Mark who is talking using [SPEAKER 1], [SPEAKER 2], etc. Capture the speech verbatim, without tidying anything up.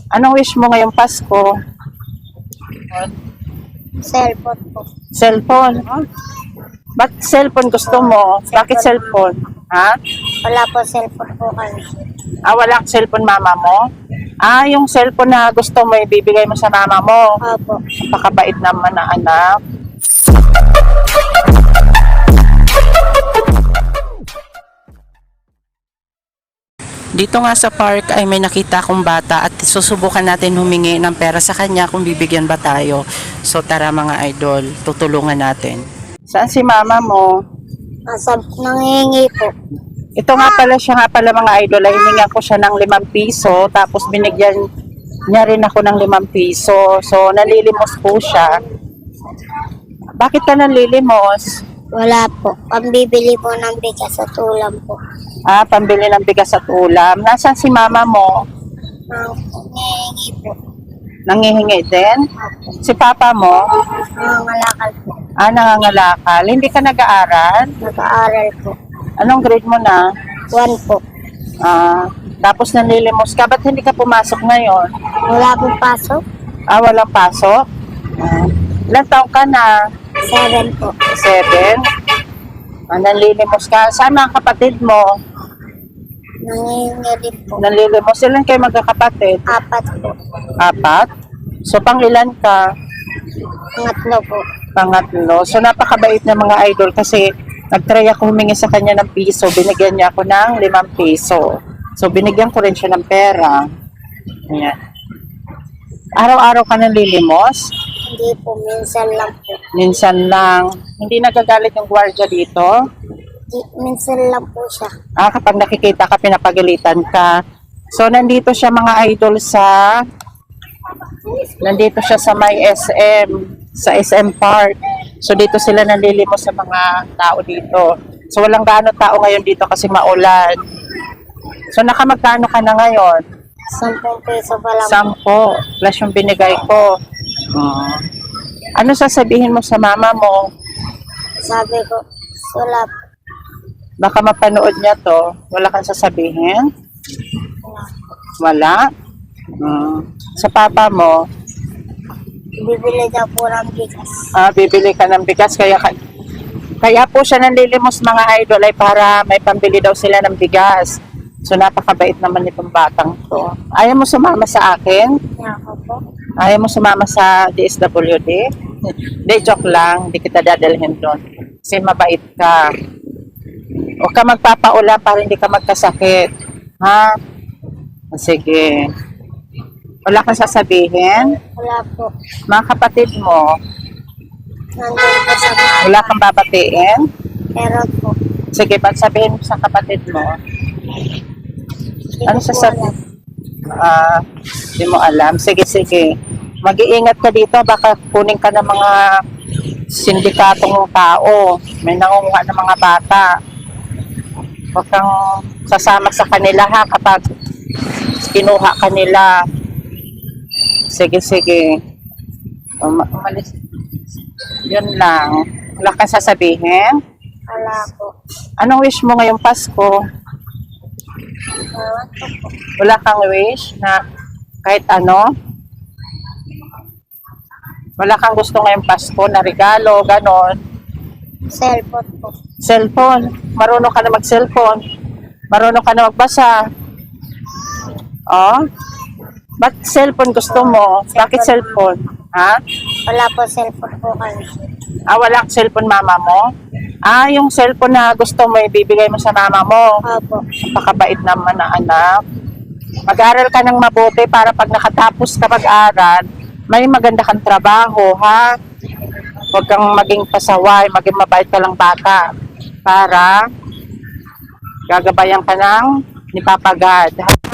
[SPEAKER 1] Anong wish mo ngayong Pasko?
[SPEAKER 2] Cellphone po.
[SPEAKER 1] Cellphone? Ba't cellphone gusto mo? Bakit cellphone? Ha?
[SPEAKER 2] Wala po cellphone po kami.
[SPEAKER 1] Ah, wala kang cellphone mama mo? Ah, yung cellphone na gusto mo, ibibigay mo sa mama mo.
[SPEAKER 2] Opo.
[SPEAKER 1] Napakabait naman na anak. Dito nga sa park ay may nakita akong bata at susubukan natin humingi ng pera sa kanya kung bibigyan ba tayo. So tara mga idol, tutulungan natin. Saan si mama mo?
[SPEAKER 2] Nasa nangingi po.
[SPEAKER 1] Ito nga pala siya nga pala mga idol, ay hiningan ko siya ng limang piso, tapos binigyan niya rin ako ng limang piso. So nalilimos po siya. Bakit ka nalilimos?
[SPEAKER 2] Wala po. Pambibili po ng bigas at ulam po.
[SPEAKER 1] Ah, pambili ng bigas at ulam. Nasaan si mama mo?
[SPEAKER 2] Nangingi po.
[SPEAKER 1] Nangihingi din? Si papa mo?
[SPEAKER 2] Nangangalakal po.
[SPEAKER 1] Ah, nangangalakal. Hindi ka nag-aaral?
[SPEAKER 2] Nag-aaral po.
[SPEAKER 1] Anong grade mo na?
[SPEAKER 2] One po.
[SPEAKER 1] Ah, tapos nalilimos ka. Ba't hindi ka pumasok ngayon?
[SPEAKER 2] Wala pong pasok.
[SPEAKER 1] Ah, walang pasok? Ah, ilang taong ka na?
[SPEAKER 2] Seven po.
[SPEAKER 1] Seven? Ah, nanlilimos ka. Saan ang kapatid mo?
[SPEAKER 2] Nangingi din po.
[SPEAKER 1] Nanlilimos. Ilan kayo magkakapatid?
[SPEAKER 2] Apat po.
[SPEAKER 1] Apat? So, pang ilan ka?
[SPEAKER 2] Pangatlo po.
[SPEAKER 1] Pangatlo. So, napakabait na mga idol kasi nag-try ako humingi sa kanya ng piso. Binigyan niya ako ng limang piso. So, binigyan ko rin siya ng pera. Ayan. Araw-araw ka nanlilimos?
[SPEAKER 2] Hindi po. Minsan lang po.
[SPEAKER 1] Minsan lang. Hindi nagagalit yung gwardiya dito?
[SPEAKER 2] Di- Minsan lang po siya.
[SPEAKER 1] Ah, kapag nakikita ka, pinapagalitan ka. So, nandito siya mga idol sa... Nandito siya sa may S M. Sa S M Park. So, dito sila nanlilimos sa mga tao dito. So, walang gaano tao ngayon dito kasi maulan. So, nakamagkano ka na ngayon?
[SPEAKER 2] Sampung peso pa lang po.
[SPEAKER 1] Sampo. Plus yung binigay ko. Uh, ano sasabihin mo sa mama mo?
[SPEAKER 2] Sabi ko, wala po.
[SPEAKER 1] Baka mapanood niya to. Wala kang sasabihin? Wala? Uh, sa papa mo,
[SPEAKER 2] Bibili daw po ng bigas.
[SPEAKER 1] ah, bibili ka ng bigas. Kaya, ka- kaya po siya nanlilimos mga idol ay para may pambili daw sila ng bigas. So napakabait naman itong batang to. Ayaw mo sumama sa akin?
[SPEAKER 2] Kaya ako po.
[SPEAKER 1] Ayaw mo sumama sa D S W D? Hindi, joke lang. Hindi kita dadalhin doon. Kasi mabait ka. Huwag ka magpapaulan para hindi ka magkasakit. Ha? Sige. Wala kang sasabihin?
[SPEAKER 2] Wala po.
[SPEAKER 1] Mga kapatid mo,
[SPEAKER 2] Nandun po sa mga.
[SPEAKER 1] wala kang babatiin?
[SPEAKER 2] Pero po.
[SPEAKER 1] Sige, ba't sabihin mo sa kapatid mo?
[SPEAKER 2] Hindi
[SPEAKER 1] Ano
[SPEAKER 2] ko po
[SPEAKER 1] sasabihin?
[SPEAKER 2] alam.
[SPEAKER 1] Ah, hindi mo alam. Sige, sige. Mag-iingat ka dito. Baka kunin ka ng mga sindikatong tao. May nangunguha ng mga bata. Huwag kang sasama sa kanila ha kapag kinuha kanila. Sige, sige. Um, umalis. Yun lang. Wala kang sasabihin?
[SPEAKER 2] Wala po.
[SPEAKER 1] Anong wish mo ngayong Pasko?
[SPEAKER 2] Ewan ko po.
[SPEAKER 1] Wala kang wish na kahit ano? Wala kang gusto ngayong Pasko na regalo, ganon?
[SPEAKER 2] Cellphone po.
[SPEAKER 1] Cellphone. Marunong ka na mag-cellphone. Marunong ka na magbasa. Oh? Ba't cellphone gusto mo? Bakit cellphone? Ha?
[SPEAKER 2] Wala po cellphone po kami.
[SPEAKER 1] Ah, wala kang cellphone mama mo? Ah, yung cellphone na gusto mo, ibibigay mo sa mama mo.
[SPEAKER 2] Opo.
[SPEAKER 1] Napakabait naman na anak. Mag-aral ka ng mabuti para pag nakatapos ka mag-aral, may maganda kang trabaho, ha? Huwag kang maging pasaway, maging mabait ka lang bata. Para gagabayan ka ng ni Papa God.